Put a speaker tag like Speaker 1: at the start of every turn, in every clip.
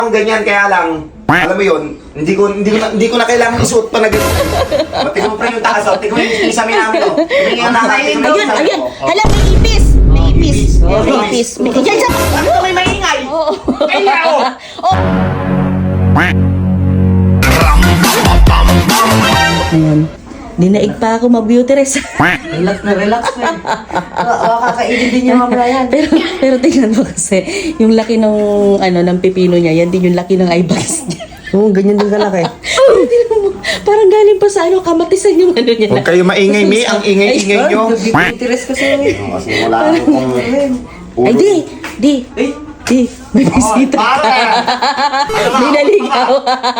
Speaker 1: Ang ganyan, kaya lang, alam mo yun, hindi ko na kailangan isuot pa na ganyan. Tingnan mo pa yung taas, tingnan mo yung isamin namin, oh.
Speaker 2: Ayun. Hala, may ipis. May ipis. May ipis. Diyan sa...
Speaker 1: May maingay!
Speaker 2: Oo.
Speaker 1: Kaya, oh!
Speaker 2: Oh. Ayan. Dinaig pa ako mag-beauty rest.
Speaker 3: Relax na. Kakainin din yung mamaya yan.
Speaker 2: pero tingnan mo kasi, yung laki ng, ng pipino niya, yan din yung laki ng eyebags niya.
Speaker 3: Oo, ganyan din kalaki.
Speaker 2: Tingnan mo, parang galing pa sa kamatisan yung niya.
Speaker 1: Huwag kayo maingay, Mi. Ang ingay-ingay nyo.
Speaker 3: Interes kasi.
Speaker 1: Kasi wala akong...
Speaker 2: Ay, di. May bisita ka. May naligaw.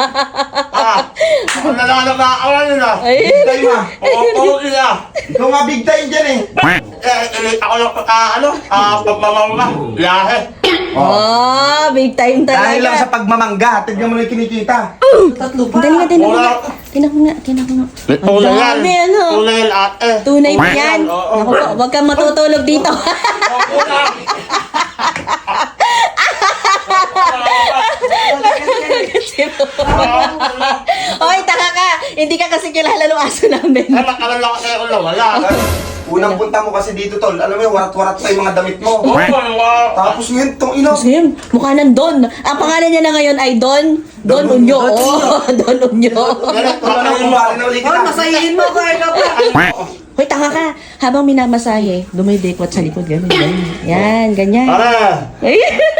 Speaker 1: Ako na lang nakakawan nila.
Speaker 2: Ay.
Speaker 1: Big time, ah. Oo, nila. Ikaw nga big time dyan, eh. Ako lang, pagmamangga. Lahe.
Speaker 2: Oh, big time talaga.
Speaker 1: Dahil lang sa pagmamangga, tignan mo na yung kinikita.
Speaker 3: Tatlo pa.
Speaker 2: Dali nga, tinan mo nga.
Speaker 1: Tunay yan.
Speaker 2: Dami, ano?
Speaker 1: Tunay yan, ate.
Speaker 2: Tunay mo yan.
Speaker 1: Oo.
Speaker 2: Ako po, huwag kang matutulog dito. Hoy, taka ka. Hindi ka kasi kilala ng aso namin.
Speaker 1: Nakalala ko sa'yo kung wala. Unang punta mo kasi dito, tol. Alam mo yung warat-warat pa yung mga damit mo. Tapos ngayon, itong ino.
Speaker 2: Kasi yun, mukha ng Don. Ang pangalan niya na ngayon ay Don Unyo. Oh, Don Unyo.
Speaker 1: Wala na kung bali na ulit
Speaker 3: Oh,
Speaker 1: kita.
Speaker 3: masayin mo ko. Ikaw pa.
Speaker 2: Hoy, taka ka. Habang minamasahe, dumidekwat sa likod. Ganyan. Yan, ganyan.
Speaker 1: Para!
Speaker 2: Ay.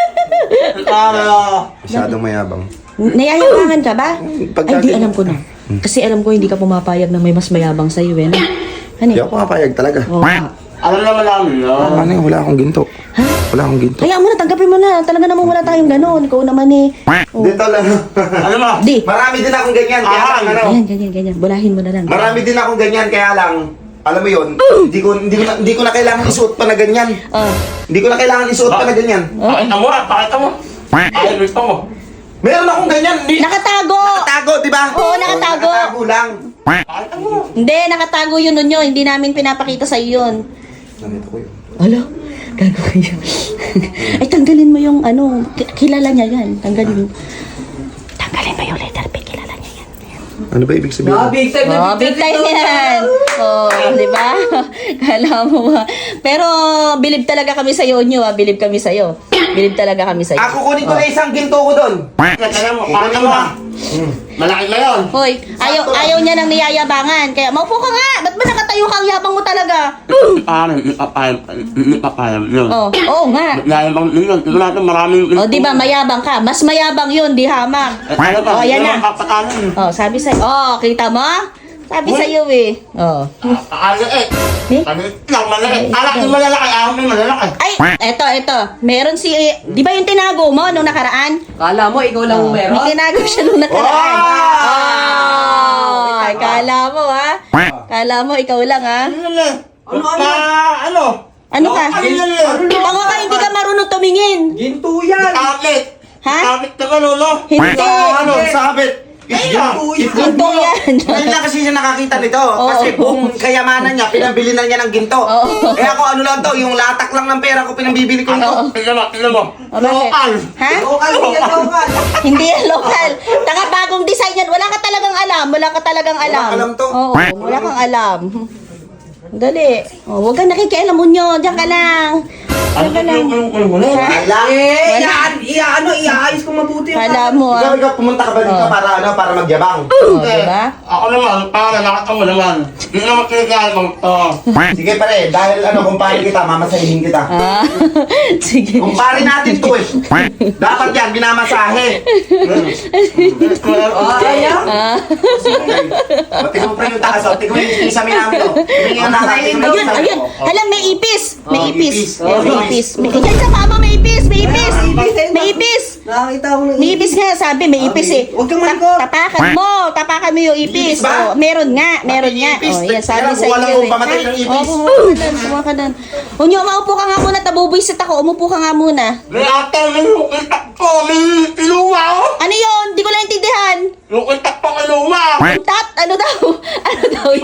Speaker 1: Para! Masyadong mayabang.
Speaker 2: Nayayabangan ka ba?
Speaker 1: Pag
Speaker 2: Ay, di
Speaker 1: natin-
Speaker 2: alam ko na. Kasi alam ko hindi ka pumapayag na may mas mayabang sa'yo, eh. Ano?
Speaker 1: Hindi ako mapayag talaga.
Speaker 2: Oo.
Speaker 4: Alam naman namin, no?
Speaker 1: Ano yun? Wala akong ginto.
Speaker 2: Ha?
Speaker 1: Wala akong ginto.
Speaker 2: Kaya mo na, tanggapin mo na. Talaga naman wala tayong ganon. Ikaw naman eh. Oh.
Speaker 1: Dito lang.
Speaker 4: Ano ba?
Speaker 2: Di.
Speaker 1: Marami din akong ganyan, kaya lang, ano?
Speaker 2: Ganyan. Bulahin mo na lang.
Speaker 1: Marami din akong ganyan, kaya lang, alam mo yun, hindi ko na kailangan isuot pa na ganyan.
Speaker 2: Oh.
Speaker 1: Hindi ko na kailangan isuot pa na ganyan.
Speaker 4: Pakita mo, pakita mo. Ay, gusto mo.
Speaker 1: Meron akong ganyan.
Speaker 2: Nakatago!
Speaker 1: Nakatago, di ba?
Speaker 2: Oo, nakatago.
Speaker 1: Nakatago lang.
Speaker 4: Pakita mo.
Speaker 2: Hindi, nakatago yun nun yun. Hindi namin pinapakita sa yun.
Speaker 1: Ganito ko yun.
Speaker 2: Alo, gago kayo. Ay, tanggalin mo yung kilala niya yan. Tanggalin mo yung letter P, kilala niya yan.
Speaker 1: Ano ba ibig sabihin?
Speaker 3: Big time na
Speaker 2: Oh, big time yan. Oh, di ba? Kala mo ba? Pero, bilib talaga kami sa'yo, Onyo, ah. Bilib kami sa'yo. Bilib talaga kami sa'yo.
Speaker 1: Ako kunin ko na isang ginto ko doon.
Speaker 4: Pakita mo, pakita mo. Malaki na yun.
Speaker 2: Hoy, ayaw niya ng niyayabangan. Kaya, maupo ka nga. Ba't ba nakatayo ka? Ang yabang mo talaga.
Speaker 4: Paano, hindi papayam yun.
Speaker 2: Oh, oo nga.
Speaker 4: Layabang yun. Tignan natin maraming...
Speaker 2: Oh, di ba, mayabang ka. Mas mayabang yun, di hamang.
Speaker 4: Ano ba?
Speaker 2: Oh, yan na.
Speaker 4: Papatalan.
Speaker 2: Oh, sabi sa'yo. Oh, kita mo? Sabi sa'yo eh. Oh.
Speaker 4: Maliit.
Speaker 2: Eh?
Speaker 4: Maliit lang, maliit. Alak yung malalaki, ahon yung malalaki.
Speaker 2: Ay, eto. Meron si, di ba yung tinago mo nung nakaraan?
Speaker 3: Kala mo, ikaw lang
Speaker 2: May
Speaker 3: meron?
Speaker 2: tinago siya nung nakaraan.
Speaker 1: Wow!
Speaker 2: Oh, kala mo ha? Kala mo, ikaw lang ha?
Speaker 4: Ano?
Speaker 2: Ano ka?
Speaker 4: Ano?
Speaker 2: Tango ka, hindi ka marunong tumingin.
Speaker 3: Ginto yan.
Speaker 4: Kapit.
Speaker 2: Ha?
Speaker 4: Kapit ka lolo.
Speaker 2: Hindi.
Speaker 1: Ano? Sabit.
Speaker 2: Ginto yan.
Speaker 1: Ngayon lang kasi siya nakakita nito.
Speaker 2: Oo.
Speaker 1: Kasi buong kayamanan niya, pinabili na niya ng ginto.
Speaker 2: Oo.
Speaker 1: Eh ako ano lang to, yung latak lang ng pera ko pinabibili ko
Speaker 2: Oo.
Speaker 1: ito.
Speaker 4: Tignan mo.
Speaker 2: O, bakit?
Speaker 4: Lokal.
Speaker 2: Ha?
Speaker 3: Lokal, yan lokal.
Speaker 2: Hindi yan local. Tanga bagong design yan. Wala ka talagang alam. Wala ka talagang alam.
Speaker 1: Walang alam to.
Speaker 2: Oo, wala kang alam. Dali. Oh, huwag kang nakikialam mo nyo. Diyan ka lang. Diyan ka lang.
Speaker 1: Wala.
Speaker 3: Iaayos ko mabuti.
Speaker 2: Kala mo
Speaker 1: Ikaw,
Speaker 2: ah.
Speaker 1: ikaw, pumunta ka ba dito para magyabang?
Speaker 2: Oh, diba?
Speaker 4: Ako naman, para nakita mo naman. Hindi naman kinigaya mo ito.
Speaker 1: Sige pare, dahil kumpare kita, mamasahin kita.
Speaker 2: Ah, sige.
Speaker 1: Kumpare natin to eh. Dapat yan, binamasahe.
Speaker 3: Ayan.
Speaker 2: Ah.
Speaker 1: Tingnan mo pa yung taas, tingnan mo yung isamin namin. Tingnan mo
Speaker 2: Ayun. Hala, may ipis. May
Speaker 1: Oh,
Speaker 2: ipis.
Speaker 1: ipis.
Speaker 2: Oh, may ipis. Diyan sa mama, may ipis. May ipis. May ipis.
Speaker 3: Nakakita ko na.
Speaker 2: May ipis nga, sabi, may ipis eh.
Speaker 3: Huwag kang malikot.
Speaker 2: Tapakan mo yung ipis.
Speaker 1: Ipis ba?
Speaker 2: Oh, meron nga.
Speaker 1: Ipis.
Speaker 2: Oh, yan, sabi
Speaker 1: Kaya
Speaker 2: sa
Speaker 1: buwan
Speaker 2: iyo
Speaker 1: akong pamatay ng ipis.
Speaker 2: Oh, kumuha ka doon. Unyo, maupo ka nga muna, tabubuisit ako. Umupo ka nga muna.
Speaker 4: May ate, may lukitak ko, may iluwa ko.
Speaker 2: Ano yun? Di ko lang intindihan.
Speaker 4: Lukitak ko, iluwa.
Speaker 2: Tat? Ano daw? Ano daw yun?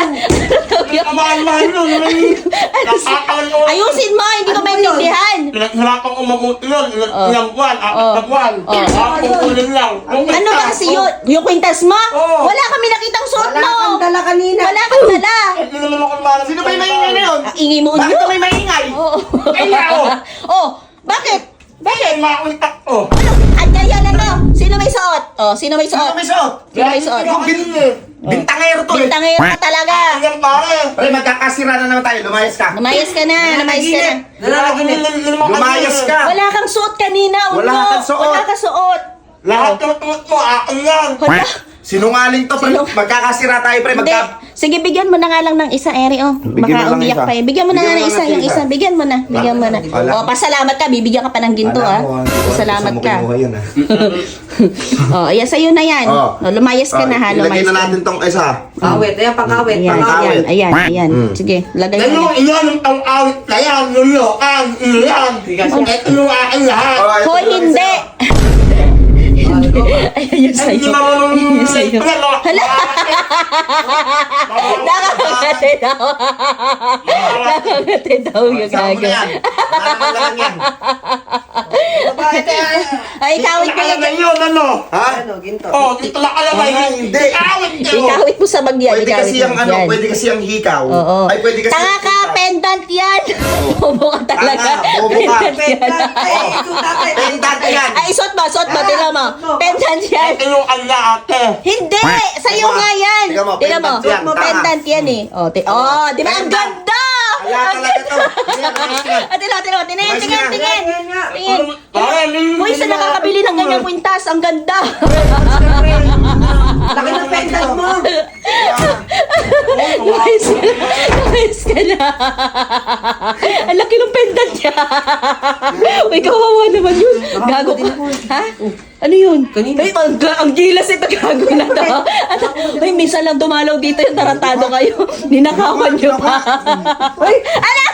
Speaker 4: May kamahal-mahal yun. May nakakalo.
Speaker 2: Ayusin mo, hindi ko maintindihan.
Speaker 4: hirapang umabuti yun.
Speaker 2: Oh.
Speaker 4: Ilang buwan, apat na buwan.
Speaker 2: Oh.
Speaker 4: Kukunin lang.
Speaker 2: Ano ba kasi yun? Yung kwintas mo?
Speaker 4: Oo.
Speaker 2: Wala kami nakitang suot
Speaker 3: Wala
Speaker 2: mo.
Speaker 3: kang dala kanina.
Speaker 2: Wala kang dala.
Speaker 4: Hindi naman ako malam.
Speaker 1: Sino ba yung maingay na yun?
Speaker 2: Ang ingay mo
Speaker 1: Bakit
Speaker 2: yun.
Speaker 1: ka may maingay?
Speaker 2: Oo.
Speaker 4: Kaya ako.
Speaker 2: Oh, bakit?
Speaker 4: Bakit? Makuntak ko.
Speaker 2: Ano? At yan ano? Sino may suot? Oh, sino may
Speaker 1: Sino
Speaker 2: suot?
Speaker 1: may suot?
Speaker 2: Sino may suot?
Speaker 1: Yung bintangero to eh.
Speaker 2: Bintangero ka talaga.
Speaker 4: Ayan pare.
Speaker 1: Pre, magkakasira na naman tayo. Lumayas ka.
Speaker 2: Lumayas ka na, lumayas ka na.
Speaker 1: Lumayas ka.
Speaker 2: Wala kang suot kanina, Uno.
Speaker 1: Wala kang suot.
Speaker 2: Wala kang suot.
Speaker 4: Lahat ng tuot mo, akin yan.
Speaker 2: Wala.
Speaker 1: Sinungaling to, pre. Magkakasira tayo, pre.
Speaker 2: Hindi. Sige, bigyan mo na nga lang ng isa, Eri, oh.
Speaker 1: Bigyan
Speaker 2: Baka
Speaker 1: mo lang
Speaker 2: umiyak
Speaker 1: isa.
Speaker 2: pa eh. Bigyan mo na nga ng isa, yung isa. Bigyan mo na. Bigyan mo na.
Speaker 1: Wala.
Speaker 2: Oh, pasalamat ka. Bibigyan ka pa ng ginto, ah. Pasalamat ka. Oh, ayan, sa'yo na yan.
Speaker 1: Oh.
Speaker 2: Oh, lumayas ka na, ha.
Speaker 1: Ilagay
Speaker 2: Lumayas
Speaker 1: na
Speaker 2: ka.
Speaker 1: natin tong isa.
Speaker 3: Awit, ayan, pang-awit.
Speaker 2: Ayan,
Speaker 1: pang-awit.
Speaker 2: ayan, ayan. Sige, lagay
Speaker 4: Ano
Speaker 2: mo na.
Speaker 4: ilan ang awit na yan? Lulukan, ilan. Ito yung akin lahat.
Speaker 2: Hoy, hindi! Ayan yung sa'yo. Ayan yung sa'yo. Hala! Nakakangati daw. Nakakangati daw yung
Speaker 1: Saan mo na
Speaker 2: gago.
Speaker 1: yan? Maraming lang yan.
Speaker 2: Ay, ikawit mo lang.
Speaker 4: yun, ano?
Speaker 1: Ha?
Speaker 3: Ano, ginto.
Speaker 4: Oh, dito lang alamay.
Speaker 1: Hindi.
Speaker 4: Awit yun.
Speaker 2: Ikawit mo sa bagyan.
Speaker 1: Pwede
Speaker 2: Ikawit
Speaker 1: kasi
Speaker 2: mo.
Speaker 1: ang ano,
Speaker 2: Yan.
Speaker 1: pwede kasi ang hikaw.
Speaker 2: Oo.
Speaker 1: Ay, pwede kasi
Speaker 2: Tanga
Speaker 1: ang
Speaker 2: ka,
Speaker 1: hikaw.
Speaker 2: pendant yan. Bobo ka talaga.
Speaker 1: Tanga, bobo ka.
Speaker 2: Pendant yan.
Speaker 3: Ay, ito, tatay.
Speaker 1: Pendant yan.
Speaker 2: Ay, suot mo, tingnan mo. Pendant yan.
Speaker 4: Ito yung ala ate.
Speaker 2: Hindi! Sa'yo
Speaker 1: Tingnan mo,
Speaker 2: nga yan!
Speaker 1: tingnan mo,
Speaker 2: Tingnan mo,
Speaker 1: pendant yan, tama.
Speaker 2: pendant yan eh. Oh, di ba? Ang
Speaker 1: Pendant.
Speaker 2: ganda!
Speaker 1: Kaya talaga to. Ayan, ayos yan.
Speaker 2: Tingnan, tingin.
Speaker 3: Ayan nga.
Speaker 2: Tingin.
Speaker 4: Pare,
Speaker 2: Uy, sa nakakabili ng ganyang kwintas, ang ganda!
Speaker 3: Laki ng pendant mo.
Speaker 2: Lumayas ka na. Ang laki ng pendant niya. Uy, kawawa naman yun. Gago ka. Ha? Ano yun? Ay, ang gilas ito. Gago na to. Ay, minsan lang dumalaw dito yung tarantado kayo. Ninakawan nyo pa. Uy, ano?